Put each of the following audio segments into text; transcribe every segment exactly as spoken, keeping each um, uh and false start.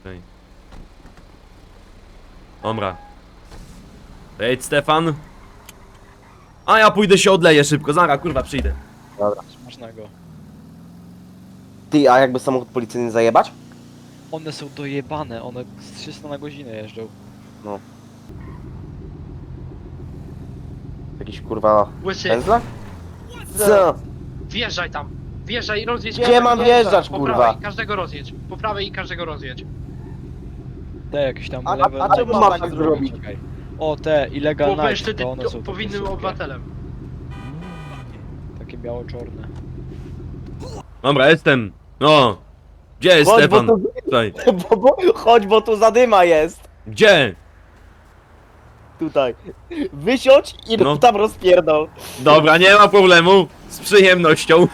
Okej. Dobra. Wejdź, Stefan. A ja pójdę się odleję szybko, zaraz kurwa przyjdę. Dobra. Smacznego. Ty, a jakby samochód policyjny zajebać? One są dojebane, one z trzysta na godzinę jeżdżą. No. Jakiś kurwa Łysy, pędzla? Co? wjeżdżaj tam. Wjeżdżaj i rozjedź. Gdzie każdego. mam wjeżdżać, Po kurwa? prawej, każdego rozjedź. Po prawej i każdego rozjedź. Te jakieś tam A- a- lewe... a czemu co mam tam tak zrobić? Czekaj. O, te illegal Bo będziesz night, wtedy to one są powinnym takie super. obywatelem. Takie biało-czorne. Dobra, jestem. No. Gdzie jest Chodź, bo Stefan? tu, Tutaj. bo, bo, chodź, bo tu zadyma jest. Gdzie? Tutaj. Wysiądź i No. no. tam rozpierdol. Dobra, nie ma problemu. Z przyjemnością.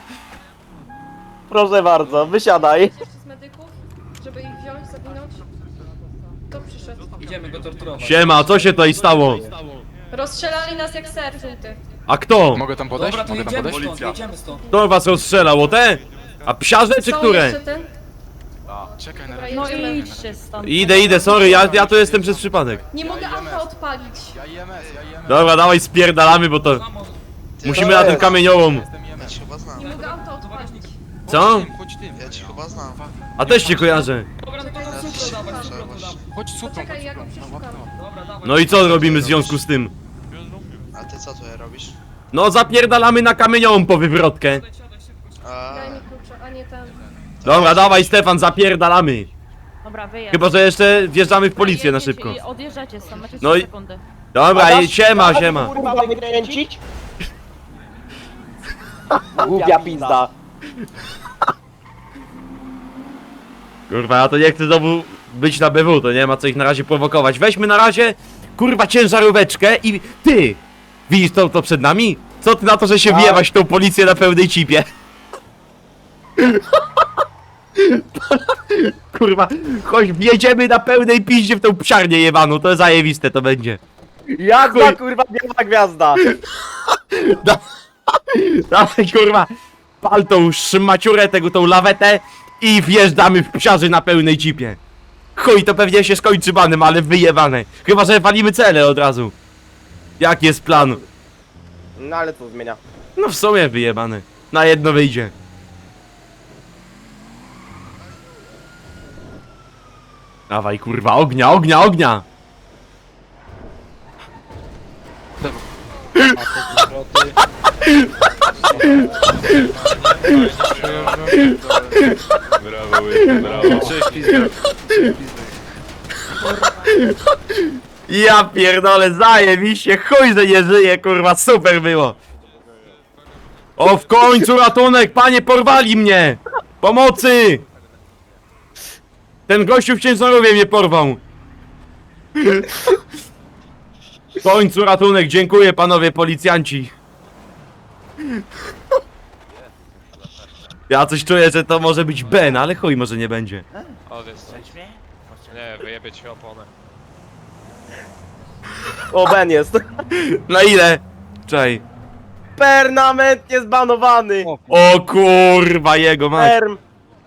Proszę bardzo, wysiadaj. z medyków, żeby ich wziąć, zawinąć. Kto przyszedł? Idziemy go torturować. Siema, co się tutaj stało? Rozstrzelali nas jak ser żółty. A kto? Mogę tam podejść? Dobra, to Mogę tam jedziemy podejść? stąd, jedziemy stąd. Kto was rozstrzelał? O te? A psiarze czy Są które? jeszcze ten? Czekaj na Dobra, razie. no i idźcie stąd. Idę, idę, sorry, ja, ja tu jestem przez przypadek. nie mogę auta odpalić. Ja I M S, ja I M S. Dobra, dawaj spierdalamy, bo to... Mamo, Musimy na tym kamieniołom. Jestem I M S. Chyba znam. Nie mogę auta odpalić. Co? Chodź tym, chodź tym. Ja cię chyba znam. A też cię kojarzę. dobra, no to nam supro dawać, supro tu dam. Chodź suprą, Poczekaj, chodź ja go suprą. przeszukam. Dobra, dawaj. No i co robimy w związku z tym? A ty co tutaj robisz? No zapierdalamy na kamieniołom po wywrotkę. Siadaj, siadaj, szybko. A, Daj mi klucze, a nie ten. Dobra, dawaj Stefan, zapierdalamy. Dobra, wyjedź. Chyba, że jeszcze wjeżdżamy w policję na Jedziecie szybko. I odjeżdżacie stąd, macie No trzy i- sekundy. Dobra, dasz- i siema, dasz, siema. Kurwa, wykręcić? Głupia pizda. Kurwa, ja to nie chcę znowu być na B W, to nie ma co ich na razie prowokować. Weźmy na razie, kurwa, ciężaróweczkę i... Ty! Widzisz to, to przed nami? Co ty na to, że się Tak. wjebaś w tą policję na pełnej cipie? Kurwa, chodź, wjedziemy na pełnej piździe w tą psiarnię jebaną, to zajebiste to będzie. Jak Chuj. ta kurwa biała gwiazda? Dawaj, kurwa, pal tą szmaciurę, tego, tą lawetę i wjeżdżamy w psiarzy na pełnej cipie. Chuj, to pewnie się skończy banem, ale wyjebane. Chyba, że walimy cele od razu. Jaki jest plan? No ale co zmienia? No w sumie wyjebane. Na jedno wyjdzie. Dawaj, kurwa, ognia, ognia, ognia! A te zwroty... Brawo, łyby, brawo. Cześć, pizda. Ja pierdolę, zajebiście, chuj, że nie żyje, kurwa, super było. O, w końcu ratunek, panie, porwali mnie! Pomocy! Ten gościu w ciężarówce mnie porwał. W końcu ratunek, dziękuję panowie policjanci. Ja coś czuję, że to może być Ben, ale chuj, może nie będzie. Nie, wyjebie ci oponę. O, Ben jest. Na ile? Czej. Permanentnie zbanowany. O, O kurwa, jego mać. Perm.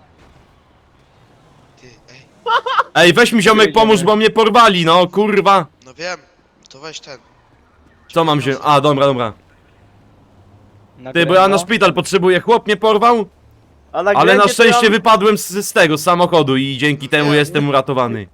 ty, ej. Ej, weź mi ziomek pomóż, bo mnie porwali, no kurwa. No wiem. To weź ten. Co mam się... A, dobra, dobra. Ty, bo ja na szpital potrzebuję, chłop mnie porwał, A na ale na ględzie to szczęście ja- wypadłem z, z tego, z samochodu i dzięki temu Nie. jestem uratowany.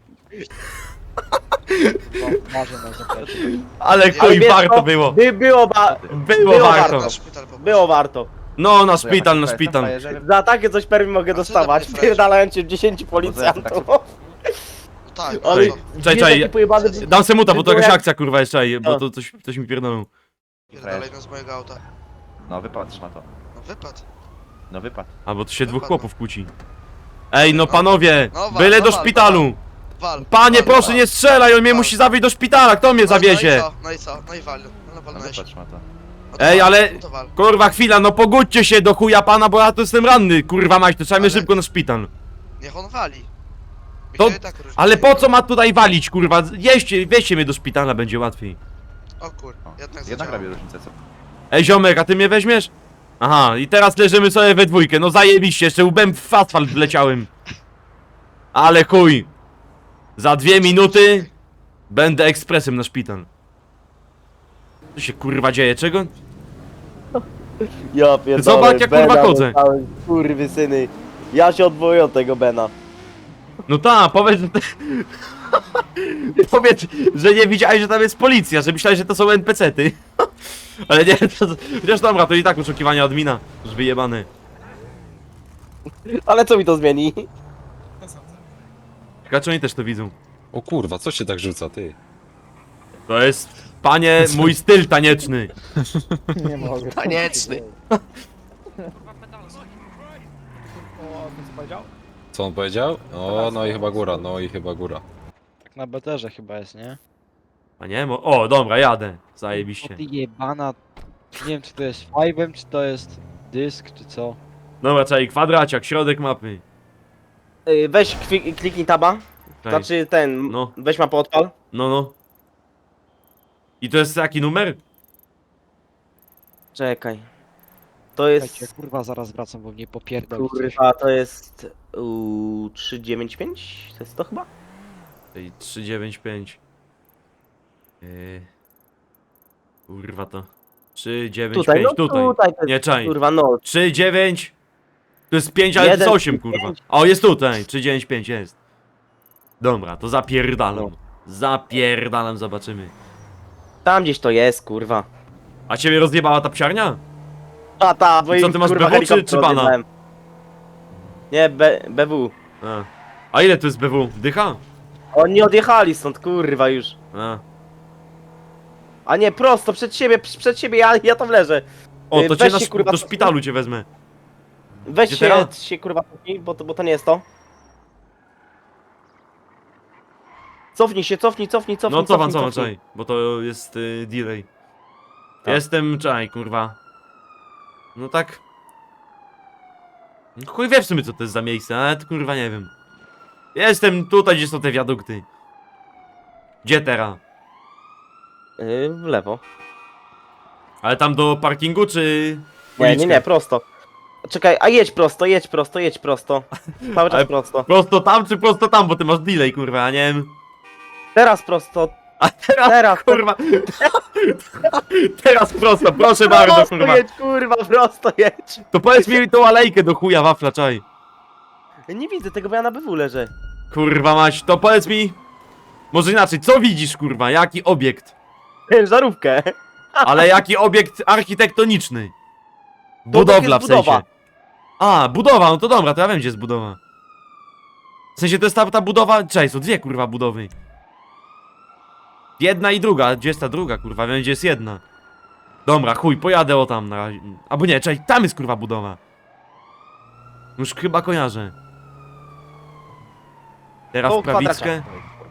Marzę na zaplecze. Ale Ale chuj, wiesz warto co? było. By, było, ba... Było było warto. Na szpital po było warto. No, na szpital, na szpital. Za takie coś permi mogę A co dostawać, za pierdalając cię dziesięciu policjantów. No tak, Ale ale... Czekaj, wiesz, czekaj, jaki pojebany... Dam se muta, bo to było jakaś jak- akcja kurwa jeszcze, ej, bo No. to coś, coś mi pierdolą. Dalej no z mojego auta. No wypad, szmato. No wypad. No wypad. A, bo tu się dwóch Wypadło. chłopów kłóci. Ej, no panowie, No wal, byle no do wal, szpitalu. Wal. Panie, wal, proszę wal. nie strzelaj, on mnie Wal. musi zawieźć do szpitala, kto mnie No, zawiezie? No i co? No i co? No i wal. No No walnąłeś. wypad, szmato. No to Ej, wal, ale- no to wal. Kurwa, chwila, no pogódźcie się do chuja pana, bo ja tu jestem ranny, kurwa mać, to trzeba mnie Ale- szybko na szpital. Niech on wali. Mi To- się i tak różni. Ale po co ma tutaj walić, kurwa? Jeźdźcie, wieźcie mnie do szpitala, będzie łatwiej. O kur... O, Jednak Jednak zadziałało. robię różnicę, co? Ej, ziomek, a ty mnie weźmiesz? Aha, i teraz leżymy sobie we dwójkę, no zajebiście, jeszcze łbem w asfalt wleciałem. Ale chuj! Za dwie minuty będę ekspresem na szpital. Co się kurwa dzieje? Czego? Ja pierdolę, Zobacz, jak, kurwa, Bena chodzę. dostałem, kurwy syny. Ja się odwołuję od tego Bena. No ta, powiedz, że... Te... powiedz, że nie widziałeś, że tam jest policja, że myślałeś, że to są en pe ce ty. Ale nie, to... Chociaż dobra, to i tak oczekiwania admina. Już wyjebany. Ale co mi to zmieni? Ciekawe, oni też to widzą. O kurwa, co się tak rzuca, ty? To jest, panie, mój styl tanieczny. Tanieczny. Co on powiedział? O, no i chyba góra, no i chyba góra. Tak na beterze chyba jest, nie? A nie? Mo... O, dobra, jadę. Zajebiście. O ty jebana... Nie wiem czy to jest five'em, czy to jest dysk, czy co. Dobra, czekaj, kwadraciak, środek mapy. Yy, weź kwi- kliknij taba. Czekaj. Znaczy ten, No. weź mapę odpal. No, no. I to jest jaki numer? Czekaj. To jest... Słuchajcie, kurwa zaraz wracam, bo mnie popierdoli coś. Kurwa, to jest... Uuu, trzysta dziewięćdziesiąt pięć? To jest to chyba? Ej, trzysta dziewięćdziesiąt pięć. Yy... Kurwa to. trzysta dziewięćdziesiąt Tutaj, pięć, no tutaj. tutaj to jest, Nie, czaj. kurwa, no. trzy dziewięć. To jest pięć, ale to jest Jeden, osiem, kurwa. pięć. O, jest tutaj. trzysta dziewięćdziesiąt pięć jest. Dobra, to zapierdalam. No. Zapierdalam, zobaczymy. Tam gdzieś to jest, kurwa. A ciebie rozjebała ta psiarnia? A ta, bo I co, im, ty masz kurwa, B W czy- helikopter czy pana? odjebałem. Nie, B, BW. A. A ile to jest B W? Dycha? Oni odjechali stąd, kurwa, już. A. A nie, prosto, przed siebie, przed siebie, ja, ja tam leżę. O, Yy, to cię weź na się, szp- kurwa, do szpitalu cię wezmę. Weź Gdzie się, teraz? się, kurwa, cofnij, bo to, bo to nie jest to. Cofnij się, cofnij, cofnij, cofnij, No cofam, cofnij, cofam, cofnij. czaj. Bo to jest y, delay. Tak. Jestem, czaj, kurwa. No tak. No chuj wie w sumie co to jest za miejsce, ale to kurwa nie wiem. Jestem tutaj, gdzie są te wiadukty. Gdzie teraz? Yy, w lewo. Ale tam do parkingu czy... Nie, nie, uliczkę? nie, prosto. Czekaj, a jedź prosto, jedź prosto, jedź prosto. Cały czas Ale- prosto. Prosto tam czy prosto tam, bo ty masz delay, kurwa, a nie wiem. Teraz prosto, A teraz, teraz, kurwa. Teraz prosto, proszę bardzo, prosto kurwa. jedź, kurwa, prosto jedź. To powiedz mi tą alejkę do chuja wafla, czaj. Nie widzę tego, bo ja na B W leżę. Kurwa mać, to powiedz mi... Może inaczej, co widzisz, kurwa, jaki obiekt? Żarówkę. Ale jaki obiekt architektoniczny? To Budowla jest w sensie. budowa. A, budowa, no to dobra, to ja wiem gdzie jest budowa. W sensie to jest ta, ta budowa... Cześć, są dwie kurwa budowy. Jedna i druga, gdzie jest ta druga kurwa, wiem gdzie jest jedna. Dobra, chuj, pojadę o tam na razie. Albo nie, cześć, tam jest kurwa budowa. Już chyba kojarzę. Teraz O, w prawickę. kwadraciak.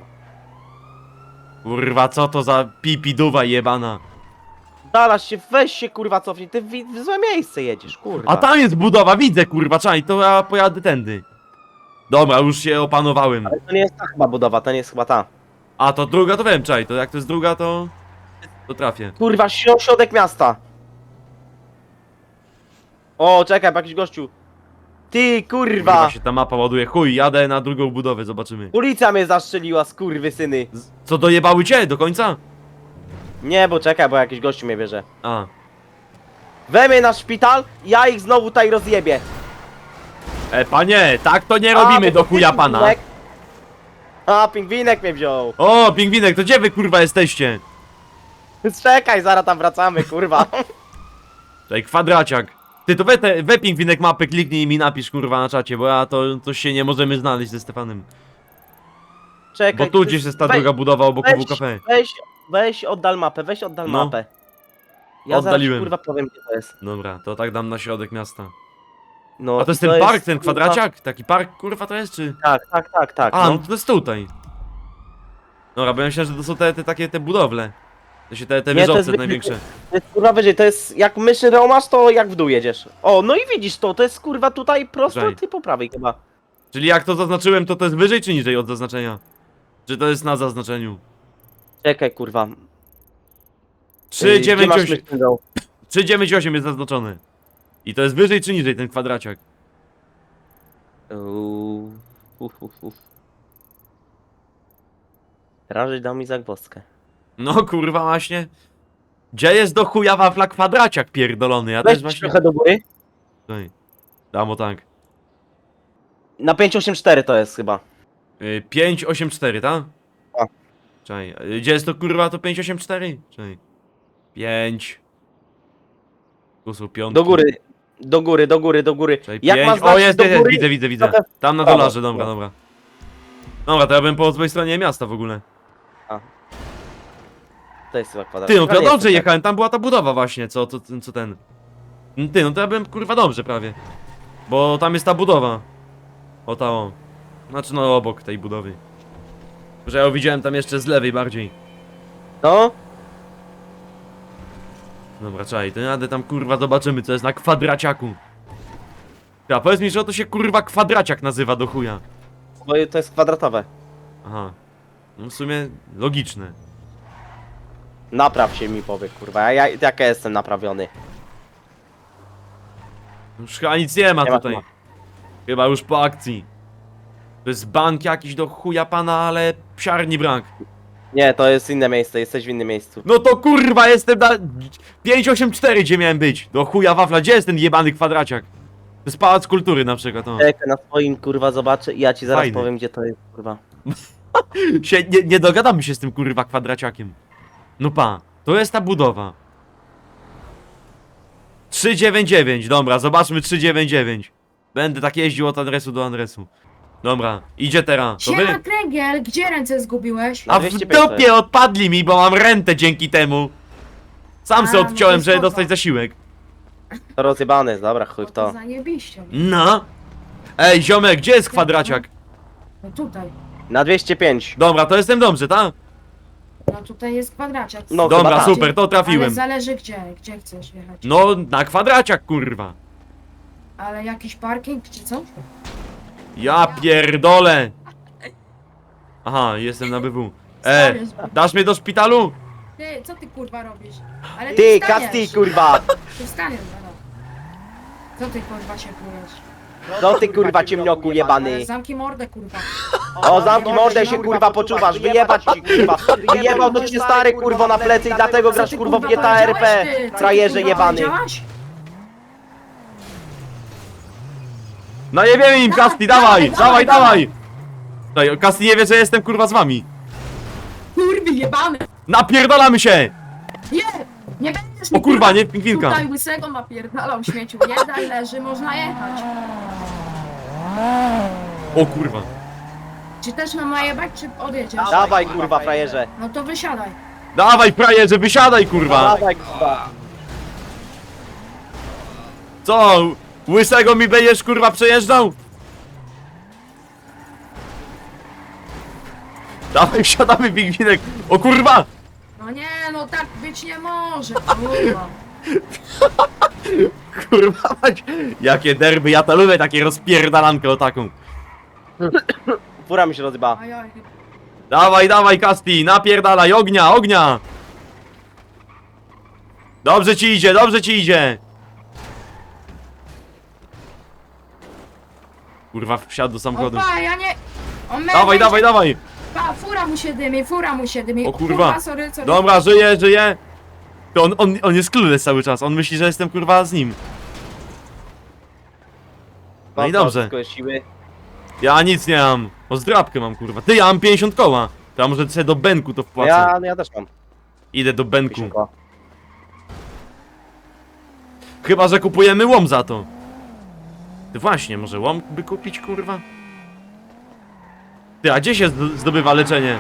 Kurwa, co to za pipiduwa jebana. Dalasz się, weź się, kurwa, cofnij. Ty w, w złe miejsce jedziesz, kurwa. A tam jest budowa, widzę kurwa, czaj, to ja pojadę tędy. Dobra, już się opanowałem. Ale to nie jest ta chyba budowa, to nie jest chyba ta. A to druga to wiem, czaj, to jak to jest druga to... To trafię. Kurwa, śro- środek miasta. O, czekaj, jakiś gościu. Ty, Kurwa kurwa. się ta mapa ładuje, chuj, jadę na drugą budowę, zobaczymy. Policja mnie zastrzeliła, skurwysyny. Z- Co, dojebały cię do końca? Nie, bo czekaj, bo jakiś gościu mnie bierze. A, Wejmie na szpital, ja ich znowu tutaj rozjebię. e panie, tak to nie A, robimy bo do to chuja pingwinek- pana. A, pingwinek mnie wziął. O, pingwinek, to gdzie wy kurwa jesteście? Czekaj, zaraz tam wracamy, kurwa. Czekaj, kwadraciak. Ty to we, te, we pingwinek mapy kliknij i mi napisz kurwa na czacie, bo ja to, to się nie możemy znaleźć ze Stefanem. Czekaj. Bo tu ty- gdzieś jest ta weź- druga budowa obok weź, W K. Weź, weź oddal mapę, weź oddal No. mapę. Ja Oddaliłem. zaraz, kurwa, powiem, gdzie to jest. Dobra, to tak dam na środek miasta. No, A to jest i ten park, ten kurwa- kwadraciak? Taki park kurwa to jest czy? Tak, tak, tak, tak. A, no no. to jest tutaj. Dobra, bo ja myślałem, że to są te, te takie te budowle. To się te, te Nie, to wieżowce jest wy- największe. To jest, kurwa, wyżej, to jest, jak myszy masz, to jak w dół jedziesz. O, no i widzisz to, to jest, kurwa, tutaj prosto, Żej. ty po prawej chyba. Czyli jak to zaznaczyłem, to to jest wyżej czy niżej od zaznaczenia? Czy to jest na zaznaczeniu? Czekaj, kurwa. trzy Yy, gdzie dziewięć masz osiem myszkę dół? trzy dziewięć osiem jest zaznaczone. I to jest wyżej czy niżej ten kwadraciak? Uuu, uf, uf, uf. Rażej dał mi zagwozdkę. No kurwa właśnie. Gdzie jest do chuja wafla kwadraciak pierdolony? Ja Weź też właśnie... trochę do góry. Tutaj. Dam o tak. Na pięć osiem cztery to jest chyba. Y, pięć osiem cztery, tak? A. Czekaj, y, gdzie jest to kurwa to pięć osiem cztery? Czekaj. pięć. Tu są piątki. Do góry. Do góry, do góry, do góry. Czekaj, Jak pięć. ma O znaczyć jest, do jest, góry? widzę, widzę, widzę. trochę w Tam na prawo. dolarze, dobra, No. dobra. Dobra, to ja bym po złej stronie miasta w ogóle. To jest chyba kwadrat. Ty, no to Ale ja nie dobrze jest jechałem, tam była ta budowa właśnie, co, co, co ten. Ty, no to ja byłem kurwa dobrze prawie. Bo tam jest ta budowa. O ta o. Znaczy no obok tej budowy. Że ja ją widziałem tam jeszcze z lewej bardziej. tak. No, Dobra, czekaj, to jadę tam kurwa zobaczymy co jest na kwadraciaku. Ja powiedz mi, że to się kurwa kwadraciak nazywa do chuja. bo to jest kwadratowe. Aha. No w sumie logiczne. Napraw się mi powie, kurwa. Ja, jak ja jestem naprawiony. Już chyba nic nie ma Nie ma, tutaj. nie ma. Chyba już po akcji. To jest bank jakiś do chuja pana, ale psiarni brak. Nie, to jest inne miejsce, jesteś w innym miejscu. No to kurwa jestem na pięć osiem cztery gdzie miałem być. Do chuja wafla, gdzie jest ten jebany kwadraciak? To jest Pałac Kultury na przykład, o. Czekaj, na swoim kurwa zobaczę i ja ci zaraz Fajny. powiem gdzie to jest, kurwa. Się, nie, nie dogadamy się z tym kurwa kwadraciakiem. No pa, to jest ta budowa. trzysta dziewięćdziesiąt dziewięć, dobra, zobaczmy trzysta dziewięćdziesiąt dziewięć. Będę tak jeździł od adresu do adresu. Dobra, idzie teraz. To Siema, wy? Kręgiel, gdzie ręce zgubiłeś? Na A w dwieście pięć dupie odpadli mi, bo mam rentę dzięki temu. Sam A, se no odciąłem, to żeby spoko. dostać zasiłek. To rozjebane jest, dobra, chuj O, w to to. zajebiście. No. Ej, ziomek, gdzie jest kwadraciak? No tutaj. Na dwieście pięć. Dobra, to jestem dobrze, tak? No tutaj jest kwadraciak. No, Dobra, chyba tak. super, to Ale trafiłem. zależy gdzie, gdzie chcesz jechać. No, na kwadraciak, kurwa. Ale jakiś parking czy co? Ja pierdolę. Aha, jestem na B W. E, Stary, dasz mnie do szpitalu? Ty, co ty kurwa robisz? Ale Ty, wstaniesz. Kasti, kurwa! Ty wstaniesz zaraz. Co ty kurwa się plujesz? No ty kurwa ciemnioku Ale jebany. zamknij mordę kurwa. O, zamknij mordę się kurwa poczuwasz, wyjebać ci kurwa. Wyjebał to cię stary kurwo na plecy i dlatego Co grasz ty, kurwo w kurwa, G T A R P. powiedziałeś, ty? Co ty, Frajerze kurwa, jebany. powiedziałaś? No nie wiem im, Dawaj, Kasti, dawaj, dawaj, dawaj, dawaj. dawaj. Daj, Kasti nie wie, że jestem kurwa z wami. Kurwy jebany! Napierdolamy się! Nie! Nie będziesz O mi, kurwa, nie, pingwinka. Tutaj łysego napierdalał śmieciu. Jeden leży, można jechać. O kurwa. Czy też mam najebać, czy odjedziesz? Dawaj kurwa frajerze. No to wysiadaj. Dawaj, frajerze, wysiadaj, kurwa. Dawaj kurwa. Co? Łysego mi będziesz, kurwa, przejeżdżał? Dawaj, wsiadamy, pingwinek. O kurwa! No nie, no tak być nie może, kurwa. Kurwa, mać. Jakie derby, ja to lubię, takie rozpierdalankę o taką. Fura mi się rozjeba. Ajaj, Dawaj, dawaj, Kasti, napierdalaj, ognia, ognia! Dobrze ci idzie, dobrze ci idzie! Kurwa, wsiadł do samochodu. opa, ja nie... On mnie Dawaj, będzie- dawaj, dawaj! Pa, fura mu się dymi, fura mu się dymi. O kurwa. sorry, sorry. Dobra, żyje, żyje! To on, on, on jest clueless cały czas, on myśli, że jestem kurwa z nim. No i dobrze. Wszystko jest siły. Ja nic nie mam. O, zdrabkę mam, kurwa. Ty, ja mam pięćdziesiąt koła. To ja może sobie do Benku to wpłacę. Ja, ja też mam. Idę do Benku. Pięćdziesiąt. Chyba, że kupujemy łom za to. Ty właśnie, może łom by kupić, kurwa? Ty, a gdzie się zd- zdobywa leczenie?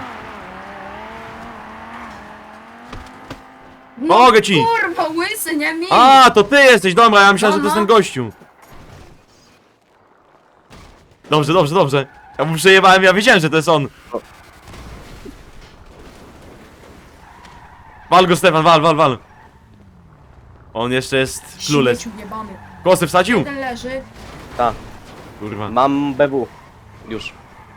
No, Pomogę ci! kurwa, łysy, nie mi! A, to ty jesteś, dobra, ja myślałem, że to jest ten Aha. gościu. Dobrze, dobrze, dobrze. Ja mu przejebałem, ja wiedziałem, że to jest on. Wal go, Stefan, wal, wal, wal. On jeszcze jest clueless. Śmieciu jebany. Kosy wsadził? Jeden leży. Tak, Kurwa. mam B W. Już.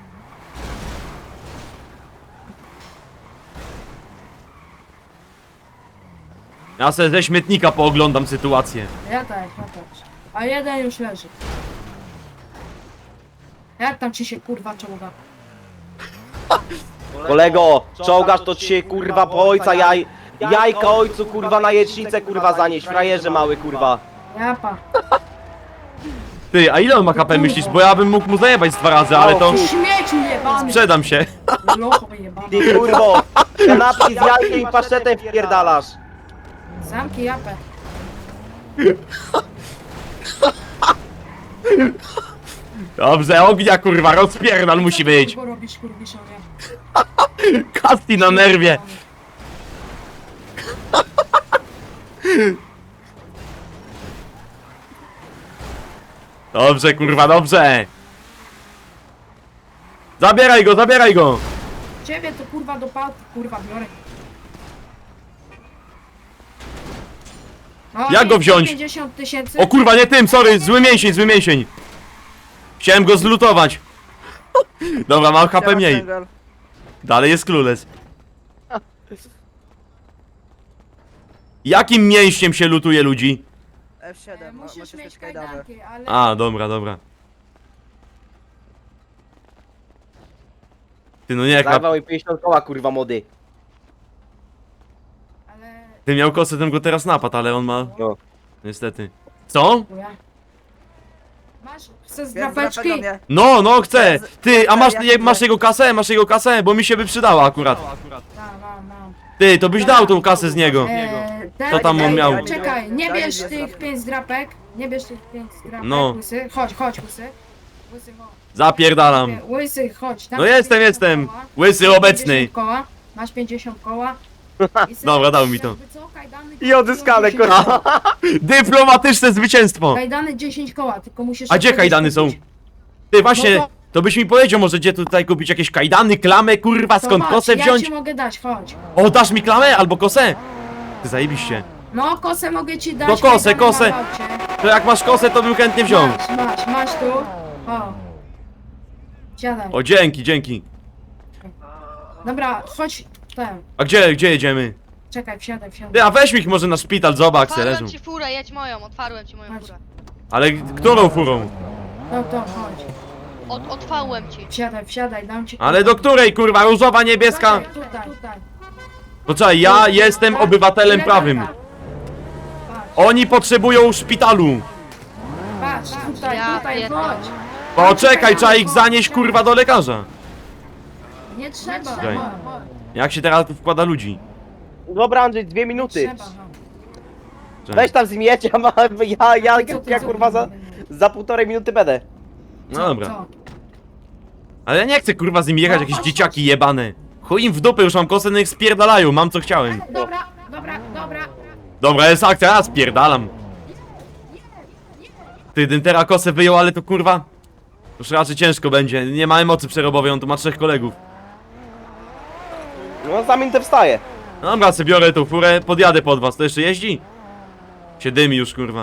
Ja sobie ze śmietnika pooglądam sytuację. Ja też, ja też. A jeden już leży. Jak tam ci się kurwa czołga? Kolego, czołgasz to ci się kurwa po ojca jaj... Jajka ojcu kurwa na jecznicę kurwa zanieść, frajerze mały kurwa. Japa. Ty, a ile on ma H P myślisz? Bo ja bym mógł mu zajebać z dwa razy, ale to... Śmieciu jebany. Sprzedam się. Locho jebany. Ty kurwo, kanapki z jajkiem i paszetem wpierdalasz. Zamki japę. Dobrze, ognia kurwa, rozpierdal musi być. Co robisz kurwiszowie? Kasti na nerwie. Dobrze, kurwa, dobrze. Zabieraj go, zabieraj go. Ciebie to kurwa do pałki, kurwa biorę. No, Jak go wziąć? pięćdziesiąt tysięcy. O kurwa, nie tym, sorry, zły mięsień, zły mięsień. Chciałem go zlutować. Dobra, mam H P mniej. Dalej jest klules. Jakim mięśniem się lutuje ludzi? E, Musisz mieć kajdanki, ale... A, dobra, dobra. Ty no nie, Zajwał mi pięćdziesiąt koła kurwa młody. ale... ty miał kosę, ten go teraz napadł, ale on ma... No. Niestety. Co? Chuja. Masz, chcesz z drapeczki? No, no, chcę! Ty, a masz, je, masz jego kasę? Masz jego kasę? Bo mi się by przydała akurat. Mam, mam, mam. Ty, to byś dał tą kasę z niego. Eee, Co tam on miał? Czekaj, nie bierz tych pięć drapek. Nie bierz tych pięć drapek, No. łysy. Chodź, chodź, łysy. Łysy, chodź. Zapierdalam. Łysy, chodź. Tam No masz jestem, pięćdziesiąt jestem. koła. Łysy Masz obecny. pięćdziesiąt koła. Masz pięćdziesiąt koła. I sobie- Dobra, dał mi to. jakby co, kajdany I odzyskane dziesięć kurwa. koła. Dyplomatyczne zwycięstwo. Kajdany dziesięć koła, tylko musisz... A gdzie sobie kajdany są? kupić. Ty, właśnie, No to- to byś mi powiedział, może gdzie tutaj kupić jakieś kajdany, klamę, kurwa, To skąd chodź, kosę Ja wziąć? ci mogę dać, chodź. O, dasz mi klamę albo kosę? Ty zajebiście. No, kosę mogę ci dać. No kosę, kajdany kosę. mam w aucie. To jak masz kosę, to bym chętnie wziął. Masz, masz, masz tu. O. Siadaj. O, dzięki, dzięki. Dobra, chodź. Ten. A gdzie, gdzie jedziemy? Czekaj, wsiadaj, wsiadaj. Ty, a weź mi ich może na szpital, zobacz, se leżą. Otwarłem ci furę, jedź moją, otwarłem ci moją Chodź. furę. Ale którą furą? No to chodź. Od, otwarłem ci. Wsiadaj, wsiadaj, dam ci. Ale do której, kurwa, różowa, niebieska? Tutaj, tutaj, tutaj. Poczekaj, ja jestem obywatelem Ile prawym. gada? Patrz, Oni potrzebują szpitalu. patrz, tutaj, Ja tutaj, pierdolę. chodź. Poczekaj, trzeba ich zanieść, kurwa, do lekarza. Nie trzeba, Czekaj. chodź, chodź. Jak się teraz tu wkłada ludzi? Dobra Andrzej, dwie Nie minuty. trzeba, chodź. Czekaj. Weź tam zmiecie, a ma, ja, ja, Co ty, ja co kurwa ty? za, za półtorej minuty będę. No Co, dobra. co? Ale ja nie chcę, kurwa, z nim jechać, No, jakieś chodź, dzieciaki jebane. Chuj im w dupę, już mam kosę, no ich spierdalają, mam co chciałem. Dobra, dobra, dobra. Dobra, jest akcja, ja spierdalam. Ty, ten teraz kosę wyjął, ale to kurwa... Już raczej ciężko będzie, nie ma emocy przerobowej, on tu ma trzech kolegów. No za minutę wstaję. No dobra, sobie biorę tą furę, podjadę pod was, to jeszcze jeździ? Się dymi już, kurwa.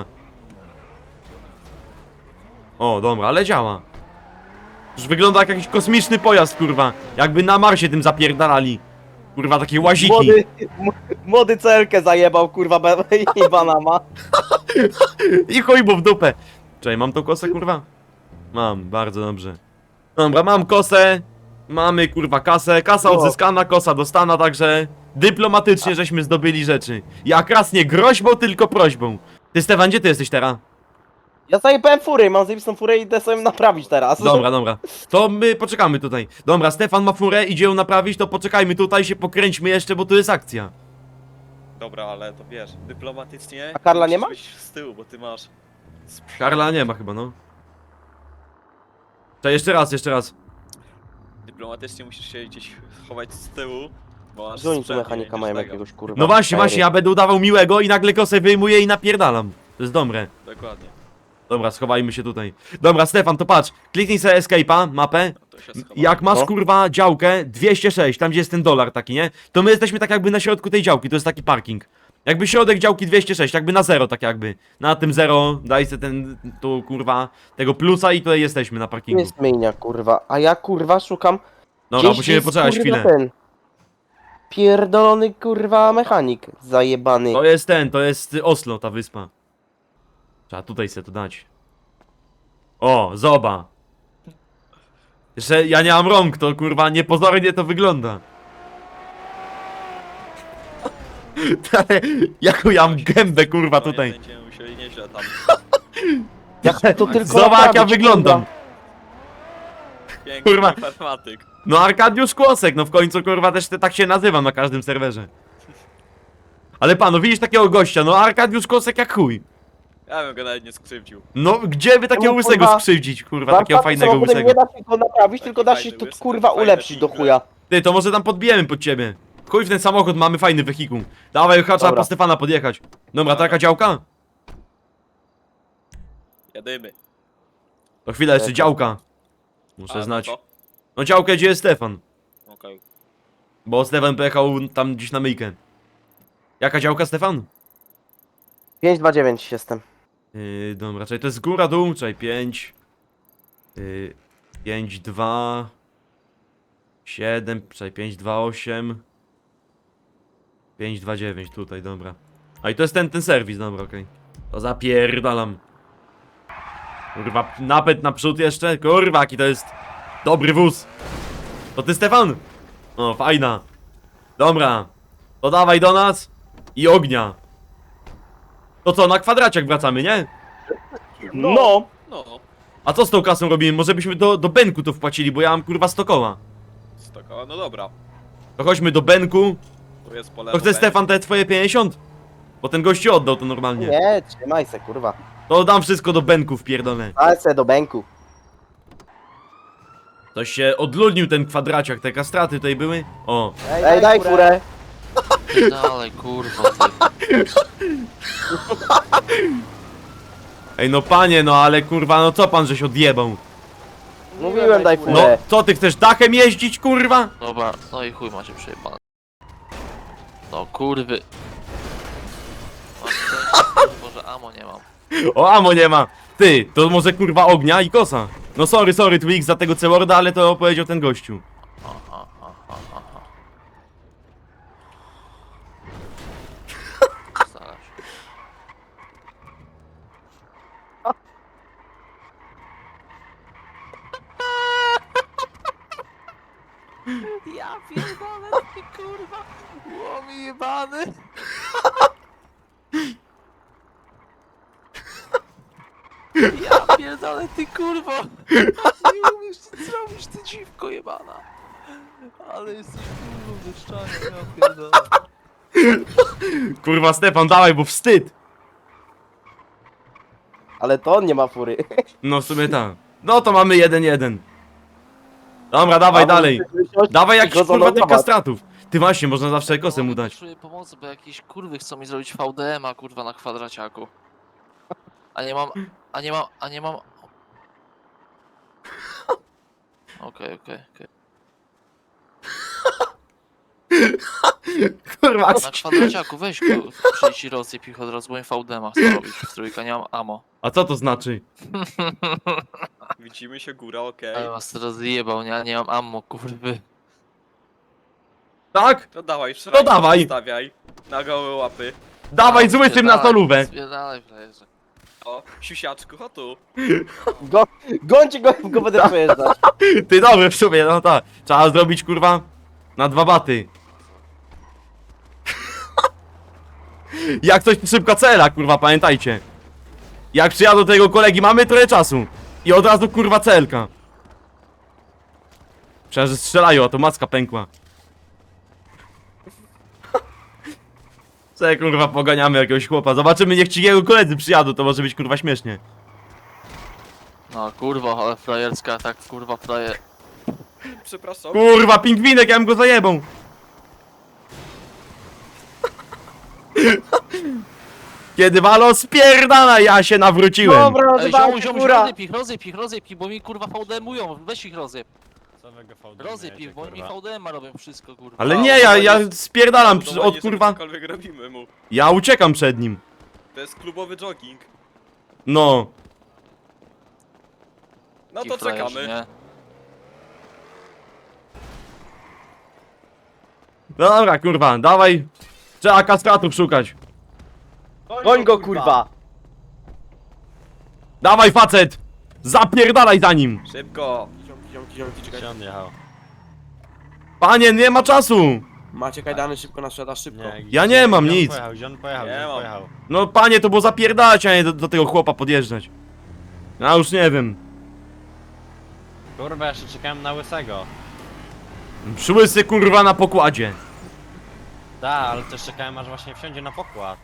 O, dobra, ale działa. Już wygląda jak jakiś kosmiczny pojazd, kurwa. Jakby na Marsie tym zapierdalali. Kurwa, takie łaziki. Młody, m- młody celkę zajebał kurwa be- i banama. I chuj mu w dupę. Czekaj, mam tą kosę, kurwa? Mam, bardzo dobrze. Dobra, mam kosę. Mamy, kurwa, kasę. Kasa No. odzyskana, kosa dostana, także... Dyplomatycznie żeśmy zdobyli rzeczy. Jak raz nie groźbą, tylko prośbą. Ty, Stefan, gdzie ty jesteś teraz? Ja zajebałem furę, mam zajebistą furę i idę sobie naprawić teraz. Dobra, dobra. To my poczekamy tutaj. Dobra, Stefan ma furę, idzie ją naprawić, to poczekajmy tutaj, się pokręćmy jeszcze, bo tu jest akcja. Dobra, ale to wiesz, dyplomatycznie... A Karla nie musisz ma? być z tyłu, bo ty masz... Karla nie ma chyba, no. To jeszcze raz, jeszcze raz. Dyplomatycznie musisz się gdzieś chować z tyłu, bo masz Że oni tu sprzęt, mechanika nie mają będziesz jakiegoś kurwa. No właśnie, frajery. właśnie, ja będę udawał miłego i nagle kosę wyjmuję i napierdalam. To jest dobre. tego. Dokładnie. Dobra, schowajmy się tutaj. Dobra, Stefan, to patrz. Kliknij sobie escape'a, mapę. No to się schowa. Jak masz No. kurwa działkę dwieście sześć, tam gdzie jest ten dolar taki, nie? To my jesteśmy tak jakby na środku tej działki, to jest taki parking. Jakby środek działki dwieście sześć, jakby na zero, tak jakby. Na tym zero daj sobie ten, tu kurwa, tego plusa i tutaj jesteśmy na Tu parkingu. jest myjnia kurwa, a ja kurwa szukam. Dobra, gdzieś musimy jest, poczekać kurwa, chwilę. ten pierdolony kurwa mechanik zajebany. To jest ten, to jest Oslo, ta wyspa. Trzeba tutaj sobie to dać. O, zoba. Że ja nie mam rąk, to kurwa niepozornie to wygląda. Ale jaką ja mam gębę kurwa tutaj. Będziemy musieli nieźle tam. Jak to tylko Zobacz jak ja naprawić, wyglądam. Piękny Kurwa. informatyk. No Arkadiusz Kłosek, no w końcu kurwa też te, tak się nazywam na każdym serwerze. Ale panu, widzisz takiego gościa, no Arkadiusz Kłosek jak chuj. Ja bym go nawet nie skrzywdził. No gdzie by takiego Czemu, łysego kurwa, skrzywdzić, kurwa, Warszawskim takiego fajnego samochodem łysego. nie da się go naprawić, tylko da się Fajny to łysy, kurwa fajne ulepszyć do figle. chuja. Ty, to może tam podbijemy pod ciebie. Chuj w ten samochód, mamy fajny wehikuł. Dawaj, chyba trzeba Dobra. po Stefana podjechać. Dobra, taka działka? Jadymy. To chwila, jeszcze Dobra. działka. A, Muszę no znać. to? No działkę, gdzie jest Stefan? Okej. Bo Stefan pojechał tam gdzieś na myjkę. Jaka działka, Stefan? pięć dwa dziewięć jestem. Yy, dobra, czyli to jest góra, dół, czyli pięć. Yy, pięć, dwa. siedem, czyli pięć, dwa, osiem. pięć, dwa, dziewięć, tutaj, dobra. A i to jest ten, ten serwis, dobra, okej. To zapierdalam. Kurwa, napęd naprzód jeszcze, kurwa, jaki to jest dobry wóz. To ty, Stefan? O, fajna. Dobra, to dawaj do nas i ognia. To co, na kwadraciak wracamy, nie? No! No. A co z tą kasą robimy? Może byśmy do, do Benku to wpłacili, bo ja mam kurwa sto koła. Stoko, no dobra. To chodźmy do Benku. Tu jest pole. To chce Stefan te twoje pięćdziesiąt? Bo ten gościu oddał to normalnie. Nie, trzymaj se kurwa. To dam wszystko do Benku wpierdolę. Ale se do bęku. Toś się odludnił ten kwadraciak, te kastraty tutaj były. O. Ej, daj furę. Dalej, kurwa, ty. Ej no panie, no ale kurwa, no co pan żeś odjebał? Mówiłem daj No, furę. co ty chcesz dachem jeździć, kurwa? Dobra, no i chuj macie przejebane. No kurwy. Mam szczęście, może amo nie mam. O, amo nie ma. Ty, to może kurwa ognia i kosa. No sorry, sorry Twix za tego Ceworda, ale to powiedział ten gościu. Aha, aha, aha, aha. Starasz. Ja pierdolę, ty kurwa, łomi jebany. Ja pierdolę, ty kurwa. Nie umiesz nic zrobić, ty dziwko jebana. Ale jesteś kurwa wyszczany, ja pierdolę. Kurwa Stefan, dawaj, bo wstyd. Ale to on nie ma fury. No w sumie tak. No to mamy jeden jeden. Dobra, dawaj dalej. Dawaj jakiś kurwa tych kastratów. Ty właśnie, można zawsze kosę mu dać. Potrzebuję pomocy, bo jakieś kurwy chcą mi zrobić V D M a kurwa na kwadraciaku. A nie mam, a nie mam, a nie mam... Okej, okej, okej. Kurwa, Na kwadraciaku weź go, przyjdź i rozsyp ich od razu, bo im V D M a chcę robić w trójkę, nie mam ammo. a co to znaczy? Widzimy się góra, okej. Ale was teraz zjebał, nie? Nie mam ammo, kurwy. Tak? To dawaj, To dawaj. Stawiaj. Na gołe łapy. Dawaj z łysym na solówę. Spierdalaj, frajerze. O, siusiaczku, o tu. Go, gońcie go, go będę przejeżdżać. Ty dobry w sumie, no tak. Trzeba zrobić kurwa na dwa baty. Jak coś szybka cela, kurwa, pamiętajcie. Jak przyjadą do tego kolegi, mamy trochę czasu. I od razu kurwa celka. Przecież że strzelają, a to macka pękła. Co kurwa poganiamy jakiegoś chłopa. Zobaczymy, niech ci jego koledzy przyjadą, to może być kurwa śmiesznie. No kurwa, ale frajerska, tak kurwa frajer. Przepraszam. Kurwa, pingwinek, ja bym go zajebał. Kiedy walo spierdala, ja się nawróciłem. Dobra, Ej, rozwal ziom, ziom, fura. rozjeb ich, rozjeb ich, rozjeb ich, bo mi kurwa V D M-ują, weź ich rozjeb. Rozjeb ich, bo oni mi V D M-a robią wszystko, kurwa. Ale nie, ja, ja spierdalam przy- Budowanie, od żeby kurwa. cokolwiek robimy mu. Ja uciekam przed nim. To jest klubowy jogging. No. No Ci to frajerzy, czekamy. nie? No dobra, kurwa, dawaj. Trzeba kastratów szukać. Goń go kurwa. Dawaj facet. Zapierdalaj za nim. Szybko. Ziomki, ziomki, czekaj. Gdzie on jechał? Panie, nie ma czasu! Macie kajdany, szybko na sprzedaż, szybko. Nie, Ja gdzie- nie mam gdzie on nic. Pojechał, gdzie on pojechał, Nie gdzie on mam. pojechał? No panie, to było zapierdalać, a nie do, do tego chłopa podjeżdżać. Ja już nie wiem. Kurwa, jeszcze czekałem na łysego. Przyłysy kurwa na pokładzie. Da, ale też czekałem aż właśnie wsiądzie na pokład.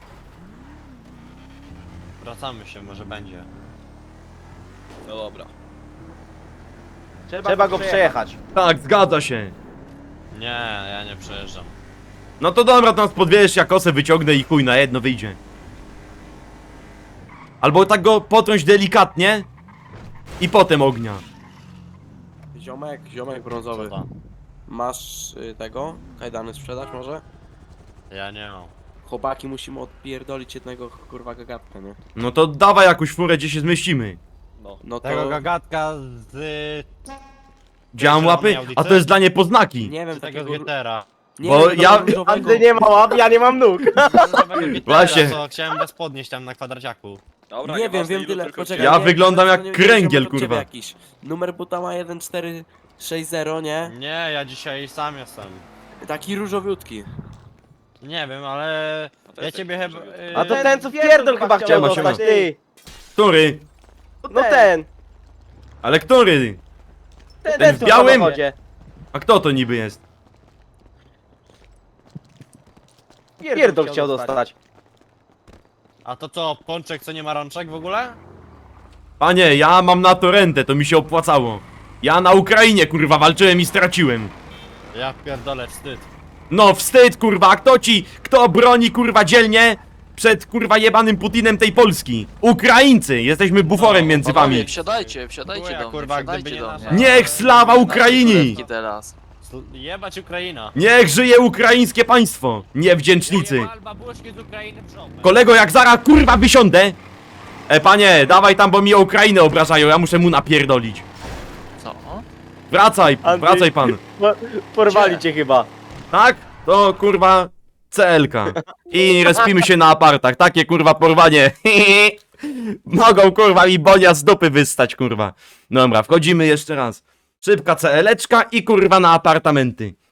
Wracamy się, może będzie. No dobra. Trzeba go przejechać. Tak, zgadza się. Nie, ja nie przejeżdżam. No to dobra, to nas podwiesz, ja kosę wyciągnę i chuj, na jedno wyjdzie. Albo tak go potrąć delikatnie i potem ognia. Ziomek, ziomek brązowy. Co to? Masz y, tego? Kajdany sprzedać może? Ja nie mam. Chłopaki, musimy odpierdolić jednego kurwa gagatka, nie? No to dawaj jakąś furę, gdzie się zmieścimy. No. No to... Tego gagatka z... Działam Zielony łapy, Audicy? a to jest dla niepoznaki. Nie wiem, z tego takiego... z Gietera. Nie Bo wiem, ja- różowego- Andrzej nie ma łap, ja nie mam nóg. Różowego Gietera, Właśnie. co chciałem bez podnieść tam na kwadraciaku. Dobra, Nie wiem, nieważne, wiem ilu tyle, tylko poczekaj. Ja nie, wyglądam nie, jak nie, nie, kręgiel, nie, nie, kurwa. Jakiś. Numer buta ma jeden cztery sześć zero, nie? Nie, ja dzisiaj sam jestem. Taki różowiutki. Nie wiem, ale... No to Ja jest ciebie taki chyba... różowy. yy, A to ten co pierdol chyba chciał Siema, dostać, siema. ty! Który? No ten! Ale który? Ten, Ten w co białym? samochodzie. A kto to niby jest? Pierdol chciał dostać. A to co, pączek co nie ma rączek w ogóle? Panie, ja mam na to rentę, to mi się opłacało. Ja na Ukrainie kurwa walczyłem i straciłem. Ja pierdolę, wstyd. No wstyd kurwa, a kto ci, kto broni kurwa dzielnie przed kurwa jebanym Putinem tej Polski? Ukraińcy, jesteśmy buforem między wami. Wsiadajcie, wsiadajcie Chuja, do mnie, kurwa, wsiadajcie gdyby nie do nasza- mnie. Niech slawa Ukraini! Teraz. Sl- Jebać Ukraina. Niech żyje ukraińskie państwo, niewdzięcznicy. Jebal babuszki z Ukrainy w żopę. Kolego, jak zaraz kurwa wysiądę. E panie, dawaj tam, bo mi o Ukrainę obrażają, ja muszę mu napierdolić. Co? Wracaj, Andrzej. wracaj pan. Porwali cię chyba. Tak? To kurwa C L K. I respimy się na apartach. Takie kurwa porwanie. Mogą kurwa mi bonia z dupy wystać kurwa. Dobra, wchodzimy jeszcze raz. Szybka C L-eczka i kurwa na apartamenty.